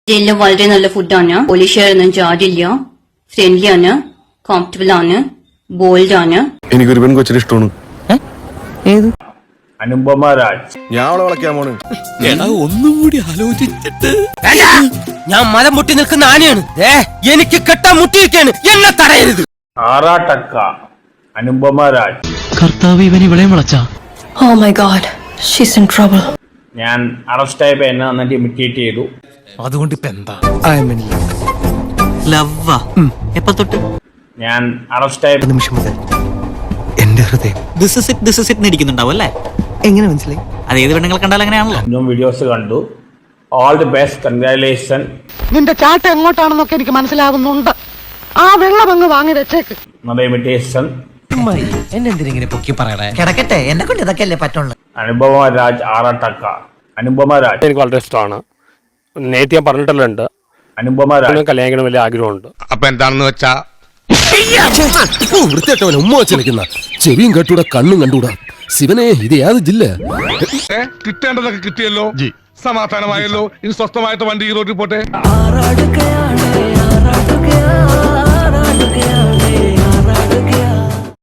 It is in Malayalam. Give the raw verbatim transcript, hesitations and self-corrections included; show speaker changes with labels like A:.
A: ജയിലിലെ വളരെ നല്ല ഫുഡാണ്. പോലീഷുകാരൊന്നും ചാടില്ല, ഫ്രണ്ട്ലി ആണ്, കോംഫർട്ടബിൾ ആണ്, ബോൾഡ് ആണ്.
B: എനിക്കൊരു പെൺകൊച്ചിന് ഇഷ്ടമാണ്.
C: അനുപമ രാജ്.
B: ഞാൻ അവളെ വിളക്കാൻ പോണ്.
D: ഒന്നും കൂടി ആലോചിച്ചിട്ട് ഞാൻ മരം മുട്ടി നിൽക്കുന്ന ആനയാണ്. എനിക്ക് കെട്ടാൻ മുട്ടിയിരിക്കാണ്, എന്നെ തടയരുത്.
C: ആറാട്ടക്ക. അനുപമ രാജ്.
E: കർത്താവ് ഇവൻ ഇവളെയും വിളച്ചാ.
F: Oh my god, she's in trouble.
C: ഞാൻ അറസ്റ്റ് ആയപ്പോ എന്നെ നന്നായിട്ട് ഇമിറ്റേറ്റ് ചെയ്തു.
D: അതുകൊണ്ട് ഇപ്പൊ എന്താ?
E: ലവ്വാ എപ്പ തൊട്ട്?
C: ഞാൻ അറസ്റ്റ് ആയ
D: നിമിഷം മുതൽ എന്റെ ഹൃദയം
E: this is it this is it ഇരിക്കുന്നുണ്ടാവും അല്ലേ?
D: എങ്ങനെ മനസ്സിലായി?
E: അത് ഏത് പെണ്ണുങ്ങൾ കണ്ടാൽ അങ്ങനെയാണല്ലോ.
C: വീഡിയോസ് കണ്ടു. All the best, congratulation.
G: നിന്റെ ചാട്ട എങ്ങോട്ടാണെന്നൊക്കെ എനിക്ക് മനസ്സിലാകുന്നുണ്ട്. ആ വെള്ളം അങ്ങ് വാങ്ങി വെച്ചേക്ക്.
C: നല്ല ഇമിറ്റേഷൻ.
D: എന്നെ എന്തിനെ പൊക്കി പറയണേ?
G: കിടക്കട്ടെ, എന്നെ കൊണ്ട് ഇതൊക്കെ അല്ലേ പറ്റുള്ളൂ.
C: അനുപമ രാജ്. ആറാട്ടക്ക. അനുപമ രാജ്
H: എനിക്ക് വളരെ ഇഷ്ടമാണ്. നേരത്തെ ഞാൻ പറഞ്ഞിട്ടല്ലോ ഉണ്ട്,
C: അനുപമ രാജ്
H: കല്യാണിക്കണം വലിയ ആഗ്രഹമുണ്ട്.
I: അപ്പൊ എന്താണെന്ന് വെച്ചാ
J: വൃത്തിയായിട്ടവൻ ഉമ്മ വെച്ചിരിക്കുന്ന ചെവിയും കെട്ടൂടാ കണ്ണും കണ്ടൂടാ. ശിവനെ ഇത് യാത് ജില്ല
I: കിട്ടേണ്ടതൊക്കെ കിട്ടിയല്ലോ, സമാധാനമായല്ലോ. ഇനി സ്വസ്ഥമായിട്ട് വണ്ടി ഈ റോഡിൽ പോട്ടെ.
F: ആറാടുകയാണ്, ആറാടുകയാണ്, ആറാടുകയാണ്.